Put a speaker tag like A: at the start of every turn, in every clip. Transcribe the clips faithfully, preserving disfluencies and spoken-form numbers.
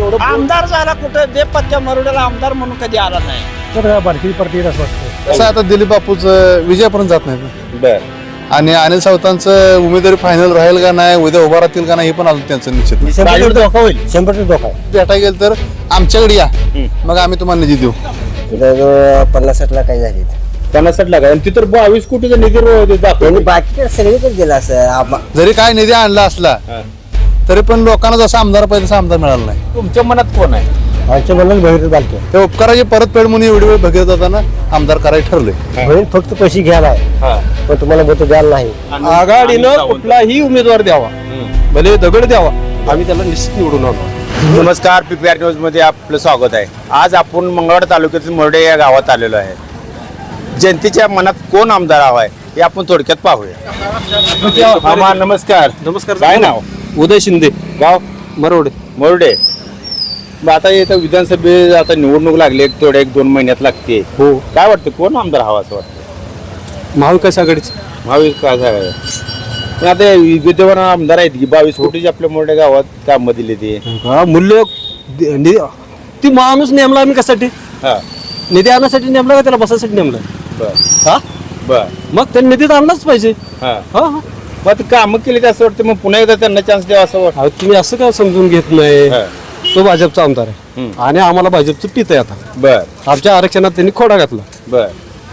A: एवढं
B: आमदार झाला कुठं बेपत्त्या मरुड्याला आमदार म्हणून कधी आला नाही.
A: तर बारकी पार्टी असं वाटतं.
C: कसं आता दिलीप बापूच विजयापर्यंत जात नाही
D: बर
C: आणि अनिल सावंतांचं उमेदवारी फायनल राहील का नाही, उद्या उभा राहतील का नाही, हे पण अजून त्यांचं निश्चित नाही.
A: शंभर टक्के धोका होईल. शंभर टक्के धोका आहे.
C: भेटायला गेलं तर आमच्याकडे या, मग आम्ही तुम्हाला निधी देऊ.
E: पन्नास साठ लाख काही झाले
D: पन्नास साठ लाख आणि तिथं बावीस कोटीचा निधी
E: त्यांनी
D: दाखवतो.
E: बाकी सगळीकडे गेला असं आबा-
C: जरी काय निधी आणला असला तरी पण लोकांना जसा आमदार पाहिजे तसा आमदार मिळाला नाही.
D: तुमच्या मनात कोण आहे?
E: आमच्या मनात भैरव बालके
C: त्या उपकाराची परतफेड म्हणून एवढी वेळ भगीरथ जाताना आमदार करायला ठरले.
E: बहीण फक्त पैसे घ्यायला आहे पण तुम्हाला मत द्यायला नाही.
A: आघाडीनं कुठलाही उमेदवार द्यावा, भले दगड द्यावा, आम्ही त्याला निश्चित निवडून आणू.
D: नमस्कार, पीपीआर न्यूज मध्ये आपलं स्वागत आहे. आज आपण मंगळवार तालुक्यातील मोरडे या गावात आलेलो आहे. जनतेच्या मनात कोण आमदार हवा आहे हे आपण थोडक्यात पाहूया. मामा नमस्कार.
A: नमस्कार.
D: काय नाव?
A: उदय शिंदे,
D: गाव
A: मरोडे.
D: मोरडे. मग आता इथं विधानसभे आता निवडणूक लागली, एक थोड्या एक दोन महिन्यात लागते.
A: हो,
D: काय वाटतं कोण आमदार हवा असं वाटतं?
A: महाविकास आघाडीचे.
D: महावीर काय सांगायचं पण आता विद्यमान आमदार आहेत की बावीस कोटीचे आपल्या मोठ्या गावात कामं दिली ते.
A: हा, मूल्य दि- नि- ती माणूस नेमला आम्ही कशासाठी?
D: हा
A: निधी आणण्यासाठी नेमला का त्याला बसायसाठी नेमला?
D: बर
A: हा,
D: बर
A: मग त्यांनी निधी आणलाच पाहिजे.
D: हा
A: हा हा.
D: मग आता कामं केली तर असं वाटतं मग पुन्हा एकदा त्यांना चान्स द्यावा असं वाटतं.
A: अहो, तुम्ही असं काय समजून घेत नाही?
D: हा.
A: तो भाजपचा आमदार आहे
D: हम्म.
A: आणि आम्हाला भाजपचं पित आहे आता.
D: बर
A: आमच्या आरक्षणात त्यांनी खोडा घातला.
D: बर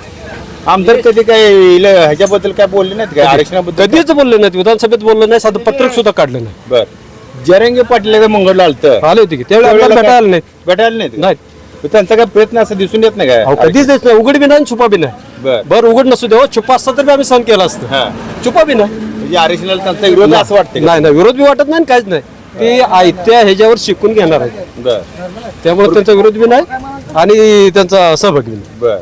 D: आमदार कधी काय इल- ह्याच्याबद्दल काय बोलले नाहीत का आरक्षणाबद्दल?
A: कधीच बोलले नाहीत, विधानसभेत बोलले नाही, साधं पत्रक सुद्धा काढलं नाही.
D: बर जरंगे पाटील एकदा मंगळला आलतं,
A: आले होते की त्यावेळी आम्हाला भेटायला नाहीत.
D: भेटायला नाहीत का?
A: नाहीत.
D: मग त्यांचा काय प्रयत्न असं दिसून येत नाही
A: अहो,
D: काय?
A: कधीच देत नाही, उघड बी नाही आणि छुपा बी नाही.
D: बर
A: बरं उघड नसू देव, छुपा असता तर बी आम्ही सहन केला असतं.
D: हा
A: छुपा बी नाही.
D: म्हणजे आरक्षणाला त्यांचा विरोध असं वाटतं का?
A: नाही नाही, विरोध बी वाटत नाही आणि काहीच नाही. ते आयत्या ह्याच्यावर शिकून घेणार आहेत,
D: बर
A: त्यामुळे त्यांचा विरोध बी नाही आणि त्यांचा सहभाग बी नाही.
D: बर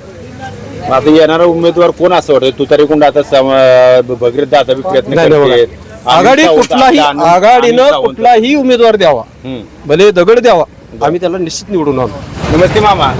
D: मग आता येणारा उमेदवार कोण असं वाटतं? तू तरी कोण आता सम- भगीरथ दादा बी प्रयत्न
A: नाही, नाही,
D: करतेत.
A: बघा. आघाडी
D: अनिल सावंत,
A: कुठलाही
D: अनिल- अनिल
A: आघाडीनं
D: सावंत.
A: कुठलाही उमेदवार द्यावा,
D: हम्म.
A: भले दगड द्यावा, आम्ही त्याला निश्चित निवडून आणू.
D: नमस्ते मामा,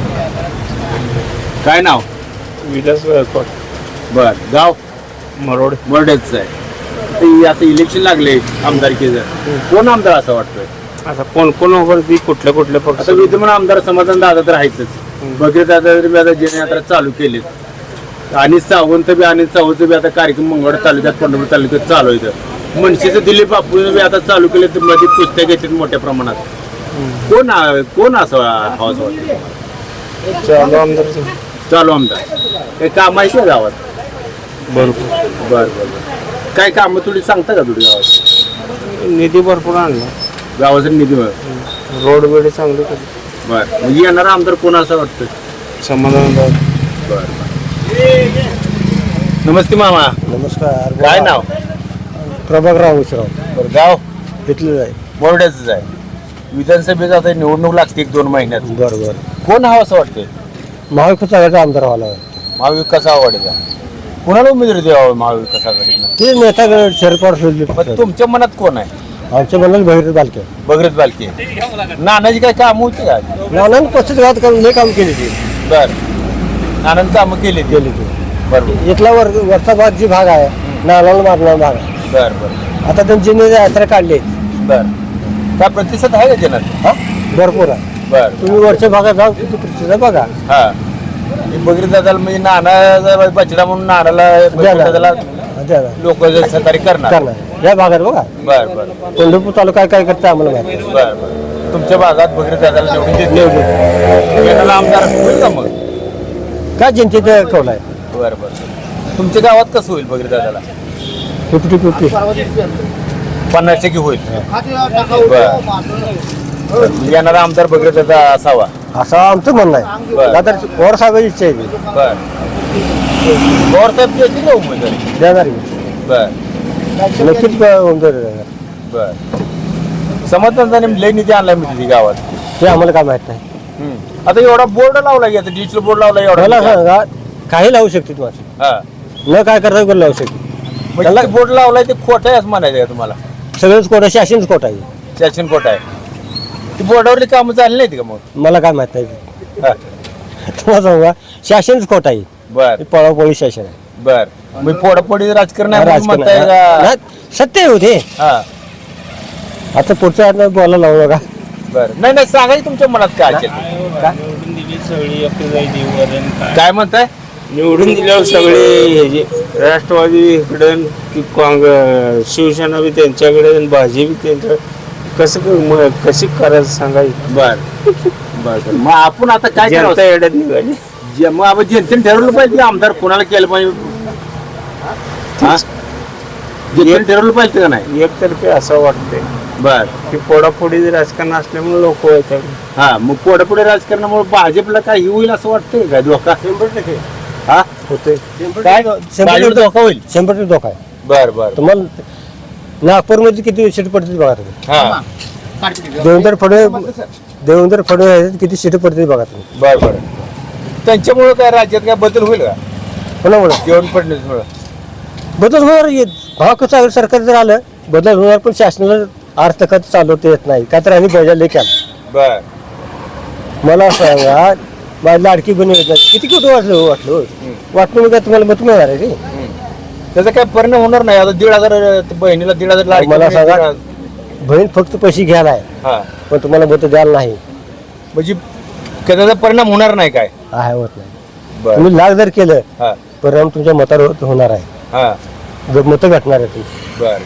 D: काय नाव?
A: विलास
D: बर गाव
A: मरोड.
D: मरडेच आहे. ते आता इलेक्शन लागले आमदारकीचं, कोण आमदार असं वाटतंय?
A: आता कोण कोण वरती कुठल्या कुठल्या
D: आता विद्यमान आमदार समाधान दादा तर आहेतच. भगीरथ दादा बी आता जनयात्रा चालू केली आणि सावंत बी आणि सावंत बी आता कार्यक्रम मंगळ तालुक्यात पंढरपूर तालुक्यात चालू आहे. मनसेचं दिलीप बापू बी आता चालू केले तर मध्ये पुस्तक घेतात मोठ्या प्रमाणात. कोण आ- कोण असं हवं असं वाटतं?
A: चालू आमदार.
D: चालू आमदार काही काम आहे का गावात?
A: बरोबर.
D: बर बर काय काम थोडी सांगता का थोडी गावात?
A: निधी भरपूर आणला,
D: गावाचा निधी बर
A: रोड वेळे चांगले
D: म्हणजे येणारा आमदार कोण असं वाटतं?
A: समाधान.
D: बर नमस्ते मामा,
E: नमस्कार.
D: काय नाव?
E: प्रभागराव उसराव
D: बरं गाव
E: घेतलेलं आहे.
D: मोरड्याच आहे. विधानसभेचा आता निवडणूक लागते एक दोन महिन्यात,
E: बरं बरं.
D: कोण हवं असं वाटतंय?
E: महाविकास आघाडीचा आमदार व्हायला आहे.
D: महाविकास आघाडीचा कोणाला उमेदवारी द्यावं महाविकास आघाडीला?
E: ते नेत्याकडे शरद पवार
D: पण तुमच्या मनात कोण आहे?
E: आमच्या मनात भैरव बालके.
D: भगीरथ बालके. नानाची काय काम होती का?
E: नानांनी पस्तीस गावात करून लय काम केली ती
D: बर नानांनी कामं केली
E: केली ती.
D: बरोबर.
E: इथला वर वरचा भाग जी भाग आहे नानाला मारणारा भाग आहे.
D: बर बर
E: आता त्यांची यात्रा काढली
D: बर काय प्रतिसाद आहे का जनात?
E: हा भरपूर आहे.
D: बर
E: तुम्ही वरच्या भागात जाऊ किती प्रतिसाद बघा.
D: हा भगीरथ दादाला म्हणजे नाना बचडा म्हणून नानाला भगीरथ दादाला लोक सहकार्य करणार.
E: करणार या भागात बघा.
D: बर बर
E: पंढरपूर तालुका काय करते आम्हाला माहिती.
D: बर बर तुमच्या भागात भगीरथ दादाला निवडून देत येणारा आमदार होईल का मग?
E: काय जनतेचा कौल आहे.
D: बर बर तुमच्या गावात कसं होईल भगीरथ दादाला?
E: फिफ्टी फिफ्टी
D: पन्नास टक्के होईल. बर येणारा आमदार भगीरथ दादा असावा
E: असं आमचं म्हणणं आहे.
D: बरं.
E: आता पवार साहेबांची इच्छा आहे ती.
D: बर पवार साहेब देतील ना उमेदवारी?
E: देणार
D: बर
E: नक्कीच उमेदवार देणार.
D: बर समाधान लय निधी आणलाय मी तिथे गावात.
E: ते आम्हाला काय माहित नाही.
D: आता एवढा बोर्ड लावला की आता डिजिटल बोर्ड लावला
E: मला
D: एवढा.
E: सांगा काही लावू शकते तुम्हाला
D: हा
E: न काय करता पण लावू शकते.
D: म्हणजे बोर्ड लावलाय ते खोटं आहे असं म्हणायचं का तुम्हाला?
E: सगळंच कोटा शासनच कोटा आहे.
D: शासन खोटं आहे. ती बोर्डावरली कामं चालली नाहीत का मग?
E: मला काय माहित नाही.
D: हा.
E: तुम्हाला सांगा शासनच खोटा आहे.
D: बर
E: पळापळी शासन आहे.
D: बर मी फोडाफोडी राजकारण आहे म्हणून
E: राजकारण
D: म्हणताय का?
E: नाही, सत्य होते.
D: हा
E: आता पुढच्या बोलायला लावू नका.
D: बरं नाही नाही सांगा की तुमच्या मनात काय असेल.
F: निवडून दिली सगळी आपली जाई देऊवरून काय
D: काय म्हणताय.
F: निवडून दिल्यावर सगळे हे जे राष्ट्रवादी इकडं की काँग्रेस शिवसेना बी त्यांच्याकडे आणि भाजी बी त्यांच्या कसं क- म- कशी करायचं सांगायचं.
D: बर बर बर. मग आपण आता काय
F: जनता
D: करावं.
F: येड्यात निघाली.
D: जे- मग आपण जनतेने ठरवलं पाहिजे की आमदार कोणाला केलं पाहिजे. हा? जनतेने ठरवलं पाहिजे का नाही.
F: एकतर्फे असं वाटतंय
D: बर
F: की पोडापोडी राजकारण असल्यामुळे लोक येतात.
D: हा मग पुढे पुढे राजकारणामुळे भाजपला काय हे होईल असं वाटतंय का धोका. हा
F: होते
D: काय
E: शंभर
D: भाजपला
E: टक्के
D: धोका होईल.
E: शंभर टक्के धोका आहे.
D: बर बर
E: तुम्हाला नागपूरमध्ये किती सीट पडतील बघा तुम्ही.
D: हा
E: देवेंद्र फडणवीस देवेंद्र फडणवीस किती सीट पडतील बघा तुम्ही.
D: बर बर. त्यांच्यामुळे काय राज्यात काय बदल होईल का
E: कोणामुळे
D: देवेंद्र फडणवीसमुळे.
E: बदल होणार येत भाव कसं सरकार जर आलं बदल होणार पण शासनाला अर्थखात चालवता येत नाही का तर आम्ही बजावले लेख्या
D: बर
E: मला सांगा माझी लाडकी बहिणी योजना किती कुठं वाटलं हो वाटलं वाटलं मग काय तुम्हाला मत मिळणार आहे रे.
D: त्याचा काय परिणाम होणार नाही. आता दीड हजार बहिणीला दीड हजार लाडकी
E: मला
D: बहीण,
E: सांगा.
D: दीड हजार-
E: बहीण फक्त पैसे घ्यायला आहे
D: हा
E: पण तुम्हाला मत द्यायला नाही
D: म्हणजे त्याचा परिणाम होणार नाही काय.
E: आहे होत नाही.
D: बर
E: तुम्ही लाख जर केलं
D: हा
E: परिणाम तुमच्या मतावर होणार आहे
D: हा
E: जर मतं भेटणार आहे तुमची.
D: बर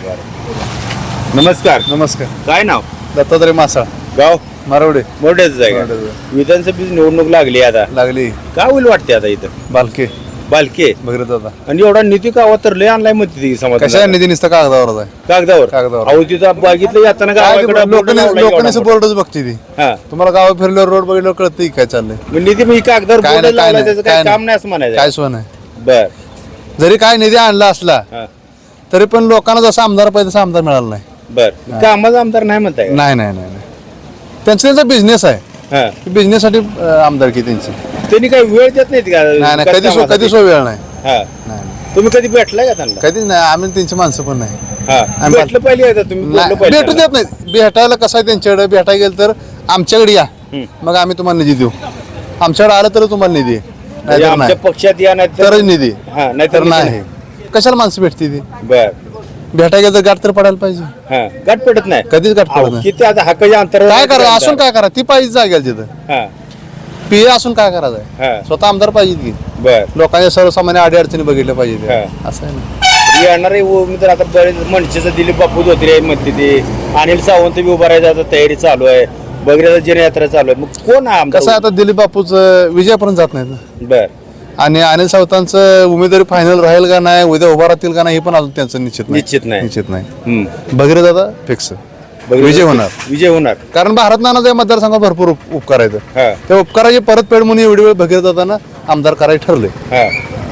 D: बर. नमस्कार.
C: नमस्कार.
D: काय नाव.
C: दत्तात्रय मासाळ
D: गाव
C: मारवडे
D: मोठ्याच आहे का.
C: मोठ्याचं.
D: विधानसभेची निवडणूक लागली आता
C: लागली
D: काय होईल वाटते आता इथं.
C: बालके
D: बालके
C: भगीरथ दादा.
D: आणि एवढा निधी का तर लय आणलाय म्हणते ती
C: कशा
D: समाज
C: निधी नुसतं कागदावरच आहे.
D: कागदावर
C: कागदावर.
D: अहो तिथं बघितलं येताना गावाकडे बोर्ड लावलाय एवढा
C: लोकांनी
D: मोठा.
C: बोर्डच बघते ती.
D: हा
C: तुम्हाला गाव फिरल्यावर रोड बघितल्यावर कळतं की काय चाललंय.
D: मग निधी मी कागदावर
C: काय
D: बोर्ड
C: नाही, काय
D: लावलाय
C: नाही,
D: त्याचं
C: काय
D: काय
C: नाही.
D: काम नाही असं म्हणायचं.
C: काय सोय नाही.
D: बर
C: जरी काय निधी आणला असला
D: हा
C: तरी पण लोकांना जसा आमदार पाहिजे तसा आमदार मिळाला नाही.
D: बर कामाचा आमदार नाही म्हणताय का?
C: नाही नाही नाही नाही. त्यांचा त्यांचा बिझनेस आहे.
D: हा
C: बिझनेस साठी अं, आमदारकी त्यांची.
D: त्यांनी काही वेळ देत नाहीत का
C: नाही नाही कधी सो-
D: कामासाठी?
C: कधी सो वेळ नाही.
D: हा
C: नाही नाही.
D: तुम्ही कधी भेटलाय का त्यांना.
C: कधीच नाही. आम्ही त्यांची माणसं पण नाही.
D: हा
C: आम्ही-
D: भेटलं पाहिजे का तुम्ही बोललं
C: नाही,
D: पाहिजे
C: भेटू
D: त्यांना?
C: देत नाही. भेटायला कसं आहे त्यांच्याकडे भेटायला गेलं तर आमच्याकडे या
D: हम्म.
C: मग आम्ही तुम्हाला निधी देऊ. आमच्याकडे आलं तर तुम्हाला निधी आहे.
D: म्हणजे
C: नाहीतर
D: आमच्या
C: नाही.
D: पक्षात या नाही
C: तरच निधी.
D: हा नाही
C: तर नाही. कशाला माणसं भेटते ती.
D: बर
C: भेटायला गेलं तर गाठ तर पडायला पाहिजे.
D: हा गाठ पेटत नाही.
C: कधीच गाठ
D: अहो,
C: पडत नाही.
D: किती आता हाकाच्या अंतर
C: काय करा असून काय करा ती पाहिजे जागेल तिथं.
D: हा
C: पी असून काय करायचं
D: हा
C: स्वतः आमदार पाहिजे की.
D: बर
C: लोकांच्या सर्वसामान्य अडी अडचणी बघितल्या पाहिजे
D: हा.
C: असं आहे ना.
D: येणारे उमेदवार आता बरेच मनसेचं दिलीप बापू धोत्रे म्हणते ते अनिल सावंत बी उभा राहायचा आता तयारी चालू आहे. बगरेचा जनयात्रा चालू आहे. मग कोण हा आमदार
C: कसं आहे आता दिलीप बापूच विजयापर्यंत जात नाहीत ना.
D: बर
C: आणि अनिल सावंतांचं उमेदवारी फायनल राहील का नाही उद्या उभा राहतील का नाही हे पण अजून त्यांचं निश्चित नाही.
D: निश्चित नाही.
C: निश्चित नाही.
D: हम्म.
C: भगीरथ दादा फिक्स
D: बगरेचा
C: विजय होणार.
D: विजय होणार.
C: कारण भारत नानाचा या मतदारसंघात भरपूर उप- उपकार आहेत.
D: हा
C: त्या उपकाराची परतफेड म्हणून एवढी वेळ भगीरथ दादांना आमदार करायला ठरले.
D: हा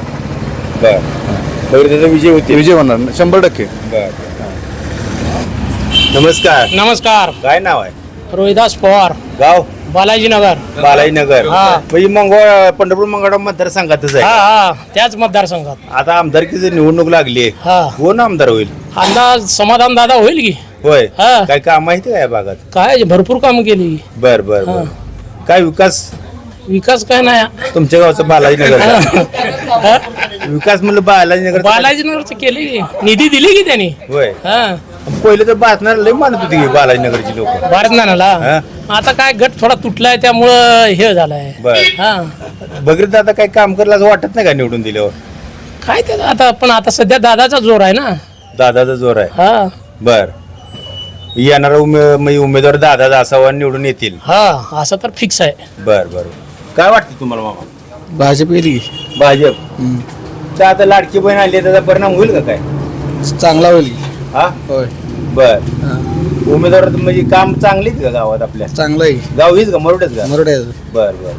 D: बर बगरेचा विजय होते.
C: विजय होणार शंभर टक्के.
D: बर नमस्कार.
G: नमस्कार
D: काय नाव आहे.
G: रोहिदास पवार
D: गाव
G: बालाजीनगर
D: बालाजीनगर.
G: हा.
D: म्हणजे मंगळ पंढरपूर मंगळा मतदारसंघातच
G: हा
D: आहे.
G: हा त्याच मतदारसंघात
D: आता आमदारकीची निवडणूक लागली आहे.
G: हा
D: कोण आमदार होईल.
G: आता समाधान दादा होईल की
D: होय
G: हा.
D: काय काम माहिती काय या भागात.
G: काय भरपूर काम केली
D: बर बर बर काय विकास
G: विकास काय नाही
D: तुमच्या गावचं बालाजीनगर
G: हा.
D: विकास म्हणलं बालाजीनगर
G: बालाजीनगरच केली की निधी दिली की त्यांनी
D: होय
G: हा
D: पहिले तर बातम्या लय मानत होती की बालाजीनगरची लोक.
G: भारत नानाला
D: हा.
G: आता काय गट थोडा तुटलाय त्यामुळं हे झालंय
D: बर
G: हा
D: बगरीत आता काही काम करलं असं वाटत नाही का निवडून दिल्यावर.
G: काय ते आता पण आता सध्या दादाचा जोर आहे ना.
D: दादाचा जोर आहे.
G: हा
D: बर येणारा उमे म्हणजे उमेदवार दादा असावा निवडून येतील.
G: हा असं तर फिक्स आहे.
D: बर बर काय वाटतं तुम्हाला मामा.
E: भाजप येईल
D: भाजप तर आता लाडकी बहीण आली त्याचा परिणाम होईल का काय.
E: चांगला होईल
D: हा
E: होय
D: बर उमेदवार म्हणजे काम चांगलीच का गावात आपल्या.
E: चांगला आहे
D: गाव हीच का मरुडेच का.
E: मरोडे
D: बर बर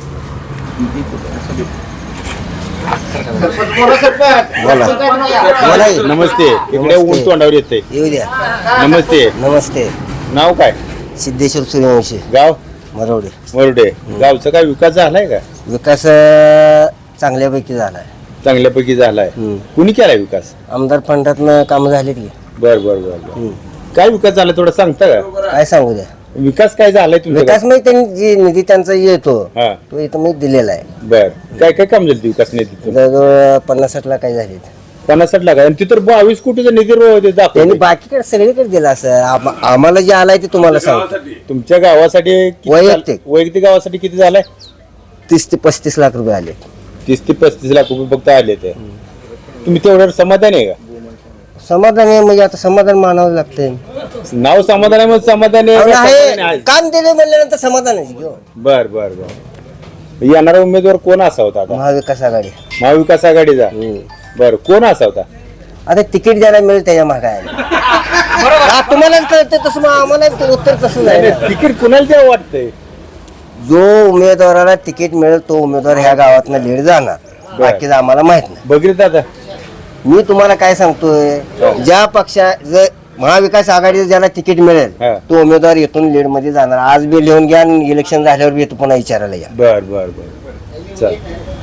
D: नमस्ते इकडे ऊन तोंडावर येते.
E: येऊ द्या
D: नमस्ते
E: नमस्ते
D: नाव काय.
E: सिद्धेश्वर सूर्यवंशी
D: गाव
E: मरोडे.
D: मरुडे. गावचा काय विकास झालाय का.
E: विकास चांगल्यापैकी झालाय.
D: चांगल्यापैकी झालाय.
E: हम्म.
D: कुणी केलाय विकास.
E: आमदार फंडातनं कामं झालीत की.
D: बर बर बर बर काय विकास झाला थोडं सांगता का.
E: काय सांगू द्या
D: विकास काय झालाय तुमचा.
E: विकास म्हणजे त्यांनी जी निधी त्यांचा येतो
D: हा
E: तो इथं मी दिलेला आहे.
D: बर काय काय काम झालं विकास निधी.
E: जवळजवळ पन्नास साठ लाख काय झालेत.
D: पन्नास साठ लाख आणि तिथं बावीस कोटीचा निधी रो- ते
E: त्यांनी
D: दाखवते.
E: बाकीकडे सगळीकडे दिला असं आम- आम्हाला जे आलाय ते तुम्हाला सांगतो
D: तुमच्या गावासाठी किती
E: वैयक्तिक.
D: झालं? वैयक्तिक गावासाठी किती झालाय?
E: तीस ते पस्तीस लाख रुपये आले
D: तीस ते पस्तीस लाख रुपये फक्त आले ते. तुम्ही तेवढ्यावर समाधान आहे का?
E: समाधान आहे म्हणजे आता समाधान मानावं लागतंय
D: नाव समाधान आहे मग समाधान आहे
E: आणि
D: का समाधान
E: आहे
D: आहे?
E: काम दिले म्हणल्यानंतर समाधान आहे की हो.
D: बर बर बर येणारा उमेदवार कोण असा होता आता?
E: महाविकास आघाडी
D: महाविकास आघाडीचा. बर कोण असा होता?
E: आता तिकीट ज्याला मिळेल त्याच्या मागे आहे तुम्हालाच कळतं तसं मग आम्हाला ते उत्तर तसं
D: नाही,
E: आहे
D: नाही, तिकीट कुणाला द्यावं वाटतंय?
E: जो उमेदवाराला तिकीट मिळेल तो उमेदवार ह्या गावातनं लीड जाणार बाकीचं आम्हाला माहित नाही
D: बघितलं दादा
E: मी तुम्हाला काय सांगतोय ज्या पक्षा जर महाविकास आघाडीचं ज्याला तिकीट मिळेल
D: हा.
E: तो उमेदवार येथून लीड मध्ये जाणार आज बी लिहून घ्या आणि इलेक्शन झाल्यावर बी येतो पुन्हा विचारायला या
D: बर बर बर चल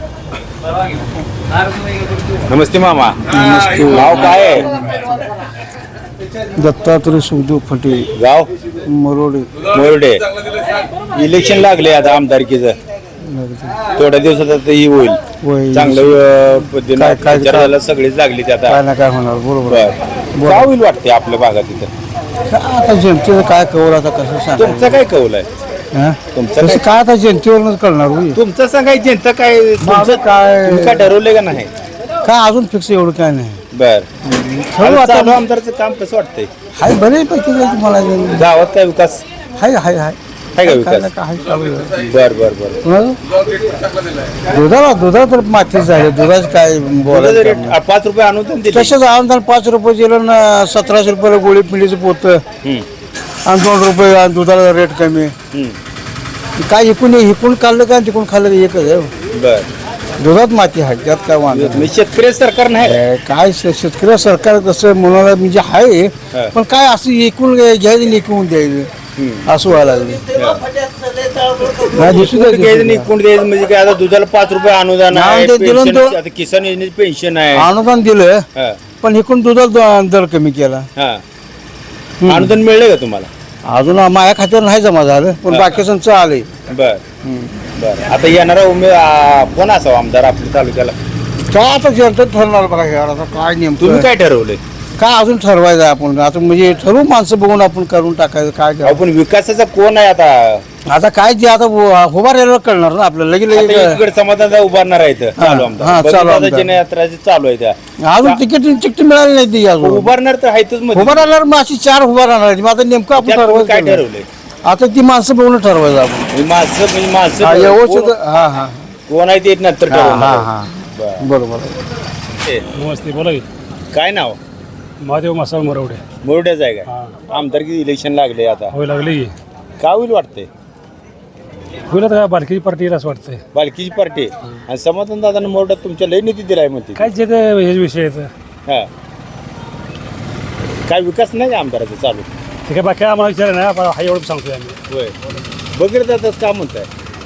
D: नमस्ते मामा. गाव काय आहे?
A: दत्तात्रय सुखदेव फटे
D: गाव
A: मरोडे
D: मोरडे. इलेक्शन लागले आता आमदारकीचं थोड्या दिवसात आता ही होईल
A: होईल.
D: चांगलं अं, पद्धतीनं
A: काय- काय-
D: प्रचार झाला, सगळीच लागली ते आता.
A: काय ना काय होणार बरोबर
D: बर काय होईल वाटते आपल्या भागात इथं?
A: आता जनतेचं काय कवर आता कसं सांग
D: तुमचं काय कौल आहे? तुमचं
A: तसं
D: काय-
A: काय आता जनतेवरूनच कळणार होई.
D: तुमचं सांगायचं जनता काय तुमचं
A: काय-
D: तुम्ही काय ठरवलंय का नाही?
A: काय अजून फिक्स एवढं काय नाही
D: बर
A: ठरवू आता.
D: चालू आमदारचं काम कसं वाटतंय?
A: हाय बऱ्यापैकी जायचं मला
D: गावात काय विकास
A: हाय हाय हाय
D: आहे का
A: काय
D: विकास?
A: ना काय हाय चालू आहे.
D: बर बर बर
A: कुणाला? दुधाला दुधाला तर मातीच झाले दुधाच काय
D: तुझं
A: बोलायचं
D: जर
A: काम नाही.
D: रेट पाच रुपये अनुदान दिले
A: तसंच अनुदान पाच रुपये दिलं ना सतराशे रुपयाला गोळी पिंडीचं पोत
D: हम्म,
A: आणि दोन रुपये आणि दुधाला रेट कमी
D: हम्म.
A: काय इकून इकून खाल्लं का तिकून खाल्लं एकच आहे हो.
D: बर
A: दुधात माती आहे त्यात काय वांधा नाही.
D: म्हणजे शेतकरी सरकार नाही
A: ए, काय शे- शेतकरी सरकार कसं म्हणाला म्हणजे आहे
D: हा.
A: पण काय असं एकूण घ्यायचं आणि एकूण द्यायचं असं व्हायला लागलं नाही, दिसू दे, दिसू
D: घ्यायचं
A: दे.
D: नाही कोण द्यायचं म्हणजे काय आता दुधाला पाच रुपये अनुदान आहे
A: नाही, ते दिलं
D: पेन्शन-
A: तो-
D: आता किसान योजनेची पेन्शन आहे
A: अनुदान दिलं
D: हा,
A: पण एकूण दुधाला द- दर कमी केला
D: हा. अनुदान मिळलं का तुम्हाला?
A: अजून माझ्या खात्यावर नाही जमा झालं पण बाकीचं आले
D: बर बर आता येणारा उमेद आ, कोण असावा आमदार आपल्या तालुक्याला?
A: काय आता जनता ठरणार बघा हे आता काय
D: तुम्ही
A: नेमकं
D: काय ठरवलंय?
A: काय अजून ठरवायचं आपण आता म्हणजे ठरवू माणसं बघून आपण करून टाकायचं काय
D: अहो,
A: करावं.
D: पण विकासाचा कोण आहे आता?
A: आता काय जे आता उभा राहिल्यावर कळणार ना आपल्याला लगेच
D: आता
A: लगेच
D: एकीकडे समाधान उभारणार आहे इथं. चालू
A: हा,
D: आमदार
A: चालू
D: बघितलं आता
A: आमदार.
D: जनयात्रा जी चालू आहे त्या
A: अजून तिकीट तिकीट मिळाली नाही ती अजून
D: उभारणार तर आहेतच मध्ये.
A: उभा राहिल्यावर मग अशी चार उभा राहणार आहेत. मग आता नेमकं आपण
D: त्यात तुम्ही काय
A: ठरवायचं
D: ठरवलंय?
A: आता ती माणसं बघून ठरवायचं आपण
D: म्हणजे माणसं म्हणजे
A: हा,
D: माणसं
A: व्यवस्थित
D: कोण-
A: हा हा
D: कोण आहे ते नंतर
A: हा
D: ठरवणार
A: हा
D: आहे.
A: हा
D: बरं.
A: बरोबर
D: ते,
H: नमस्ते बोला की
D: काय नाव?
H: महादेव मासाळ मरवडे
D: मोरड्याच आहे का? आमदारकी इलेक्शन लागले आता
H: होय लागले की
D: काय होईल वाटतंय?
H: होईल आता काय बालकीची पार्टी येईल असं वाटतंय
D: बालकीची पार्टी आणि समाधान दादा मोरड्यात तुमच्या लय निधी दिलाय म्हणते.
H: काय जे काय हे विषय आहेत
D: हा काय विकास नाही का आमदाराचा चालू?
H: ते काय बाकी आम्हाला विचार नाही आपण हा एवढं सांगतोय आम्ही
D: होय बघितलं जातच का म्हणताय?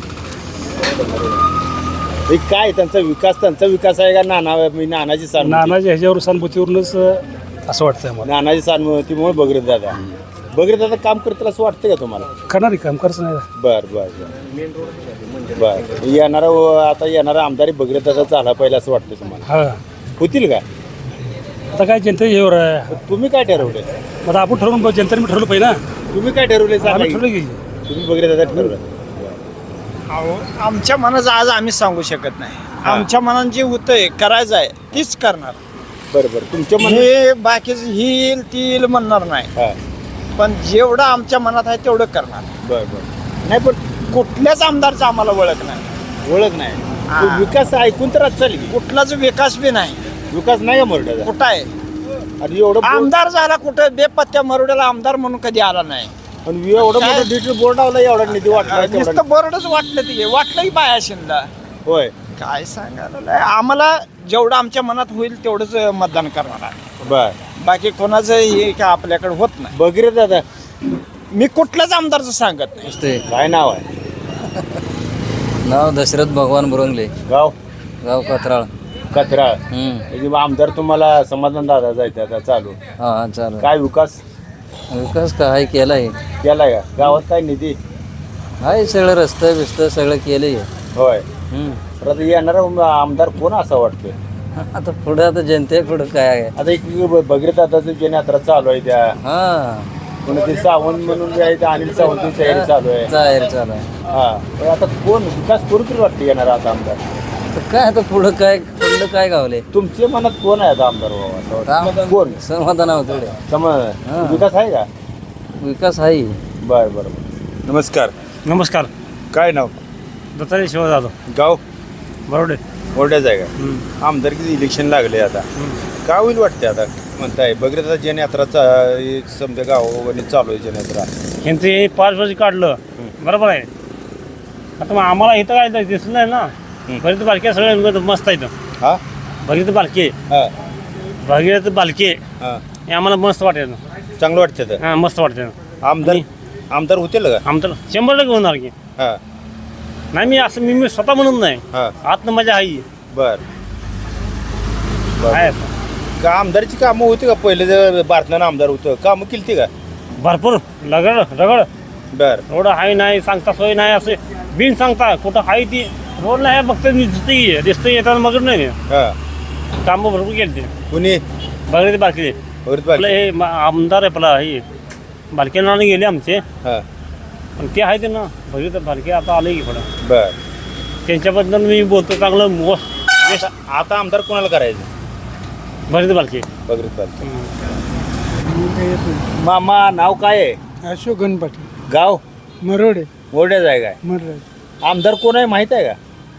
D: हे काय त्यांचा विकास त्यांचा विकास आहे का नाना मी नानाची सहानुभूती
H: नानाच्या ह्याच्यावर सहानुभूतीवरूनच अं, असं वाटतंय आम्हाला
D: नानाची सहानुभूतीमुळे बघित दादा बघित दादा काम करतील असं वाटतं का तुम्हाला?
H: करणार काम करायचं नाही
D: बर बर बर बर येणारा आता येणारा आमदारी बघित दादा झाला पाहिजे असं वाटतं तुम्हाला?
H: हा
D: होतील का?
H: आता काय जनते ह्यावर आहे
D: तुम्ही काय ठरवलंय?
H: आता आपण ठरवून जनतेने ठरवलं पाहिजे ना
D: तुम्ही काय ठरवलंय सांगा
H: आम्ही
D: की?
H: ठरवलं की
D: तुम्ही बघित दादा ठरवलं
B: अहो, आमच्या मनाचं आज आम्ही सांगू शकत नाही आमच्या मनात जे होतंय करायचं आहे तीच करणार
D: बरं बरं तुमच्या मन
B: हे बाकीच ही येईल ती येईल म्हणणार नाही
D: हा
B: पण जेवढं आमच्या मनात आहे तेवढं करणार
D: बर बर नाही पण
B: कुठल्याच आमदारचा आम्हाला ओळख नाही
D: ओळख नाही
B: हा.
D: तो विकास ऐकून तर आज चालेल की.
B: कुठलाच विकास बी नाही
D: विकास नाही का मोरड्याचा?
B: कुठं आहे
D: आणि एवढं बोर्ड-
B: आमदार झाला कुठं बेपत्त्या मरुड्याला आमदार म्हणून कधी आला नाही
D: आणि एवढं
B: काय?
D: मोठं डिजिटल बोर्ड लावला एवढा निधी वाटला तेवढा-
B: नुसतं बोर्डच वाटलं ते वाटलंही बाया शिंदा
D: होय
B: काय सांगायला लय. आम्हाला जेवढं आमच्या मनात होईल तेवढंच मतदान करणार आहे
D: बर
B: बाकी कोणाचं हे काय आपल्याकडे होत नाही
D: बघिरे दादा
B: मी कुठल्याच आमदारचं सांगत नाही
D: काय नाव आहे?
I: नाव दशरथ भगवान बुरंगले
D: गाव
I: गाव कत्राळ
D: कचराळ
I: हम्म.
D: म्हणजे मग आमदार तुम्हाला समाधान दादा जायचं आता चालू
I: हा हा चालू
D: काय विकास
I: विकास काय केलाय
D: केलाय का? गावात काय निधी?
I: हाय सगळं रस्तं बिस्त सगळं केलंय
D: होय
I: हम्म.
D: तर आता येणारा उम- आमदार कोण असा वाटतोय?
I: आता पुढे आता जनते पुढे काय आहे
D: आता एक भगीरथ दादाचं जनयात्रा चालू आहे त्या
I: हा
D: पुन्हा ते सावंत म्हणून जे आहे ते अनिल सावंत तयारी चालू आहे
I: जाहीर चालू आहे
D: हा पण आता कोण विकास कोण तरी वाटते येणार आता आमदार
I: तर काय आता पुढं काय पुढलं काय गावले
D: तुमच्या मनात कोण आहे आता आमदार बाबा कोण
I: समाधान होतं
D: समज विकास आहे का
I: विकास आहे
D: बर बर नमस्कार
H: नमस्कार
D: काय नाव
H: दत्ताजी शिवा जाधव
D: गाव
H: बरोडे
D: मोठ्याच आहे का आमदारकीचं इलेक्शन लागले आता काय होईल वाटते आता म्हणताय बघितलं आता जनयात्राचा समजा गावोगावी चालू आहे जनयात्रा
H: यांचं हे पाच वर्ष काढलं बरोबर आहे आता मग आम्हाला इथं काय दिसलं नाही ना भगीरथ बालके सगळे मस्त आहेत
D: हा
H: भगीरथ बालके
D: हा
H: भगीरथ बालके
D: हा
H: हे आम्हाला मस्त वाटेल
D: चांगलं वाटतं तर
H: हां मस्त वाटते
D: आमदार आमदार होतील का
H: आमचं शंभर टक्के होणार की
D: हा
H: नाही मी असं मी मी स्वतः म्हणून नाही
D: हा
H: आतनं माझ्या आई
D: बर
H: आहे असं.
D: का आमदारची कामं होती का पहिले जर भारतानं आमदार होतं कामं केली का
H: भरपूर रगड रगड
D: बर
H: रोड हाय नाही सांगता सोय नाही असे बिन सांगता कुठं हाय ती रोड नाही फक्त दिसते दिसते येताना मग नाही
D: हा
H: कामं भरपूर केली ते
D: कुणी
H: बघले बालके
D: भगीरथ
H: आपलं
D: बालके
H: हे मा- आमदार आहे आपला हे बालके नावाने गेले आमचे
D: हा
H: पण ते आहे ते ना बघितलं बालके आता आले की पुढं
D: बर
H: त्यांच्याबद्दल मी बोलतो चांगलं मो-
D: आता आता आमदार कोणाला करायचं
H: बघितलं बालके
D: भगीरथ बालके मामा नाव काय आहे
B: अशोक गणपती
D: गाव
B: मरोडे
D: मोठ्याच आहे काय
B: मरोडे
D: आमदार कोण आहे माहित आहे का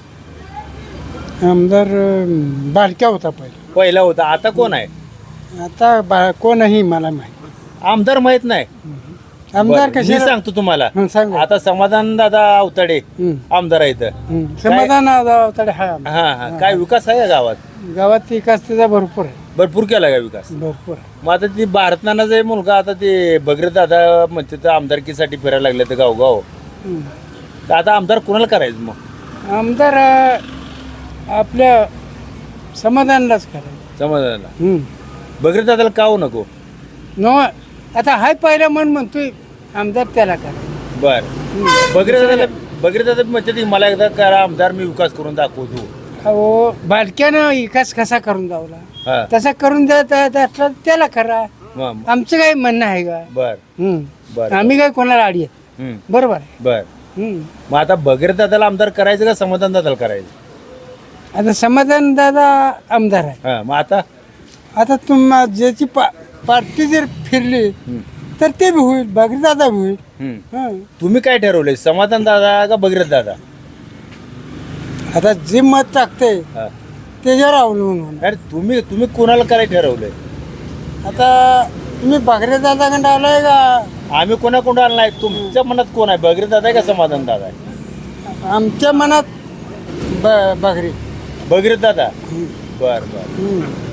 B: आमदार बालक्या होता पहिले
D: पहिला होता आता कोण आहे
B: आता बा कोणही मला माहिती
D: आमदार माहित नाही
B: आमदार
D: बरं, मी
B: कसे
D: सांगतो तुम्हाला
B: सांग
D: आता समाधान दादा अवताडे आमदार आहेत
B: समाधान तडे हा
D: हा हा काय विकास आहे का गावात
B: गावात विकास त्याचा भरपूर आहे
D: भरपूर केला का विकास
B: भरपूर
D: मग आता ती भारतनानाचा आहे मुलगा आता ते भगीरथ दादा म्हणते तर आमदारकीसाठी फिरायला लागले तर गावगाव तर आता आमदार कोणाला करायचं मग
B: आमदार आपल्या समाधानलाच करायचं
D: समाधानाला भगीरथ दादाला का हो नको
B: नो आता हाय पहिला मन म्हणतोय आमदार त्याला करायचं
D: बर भगीरथ दादाला भगीरथ दादा म्हणते ती मला एकदा करा आमदार मी विकास करून दाखवतो
B: अहो बालक्यानं विकास कसा करून दावला
D: हा
B: तसा करून देत असला त्याला करा
D: मग
B: आमचं काही म्हणणं आहे का
D: बर
B: हम्म.
D: बर
B: आम्ही काय कोणाला आडी आहेत
D: हम्म,
B: बरोबर आहे
D: बर
B: हम्म.
D: मग आता भगीरथ दादाला आमदार करायचं का समाधान दादाला करायचं
B: आता समाधान दादा आमदार आहे
D: हा मग आता
B: आता तुम ज्याची पा पार्टी जर फिरली तर ते बी होईल बाकी दादा बी होईल
D: हम्म.
B: हं.
D: तुम्ही काय ठरवलंय समाधान दादा का भगीरथ दादा
B: आता जे मत टाकते
D: हा.
B: त्याच्यावर अवलंबून होणार
D: अरे तुम्ही तुम्ही कोणाला करायला ठरवलंय
B: आता तुम्ही बागरे दादाकडे आलाय का
D: आम्ही कोणा कोणा आला नाही तुमच्या मनात कोण आहे भगीरथ दादा आहे का समाधान दादा आहे
B: आमच्या मनात ब बागरे
D: भगीरथ दादा बर बर
B: हं.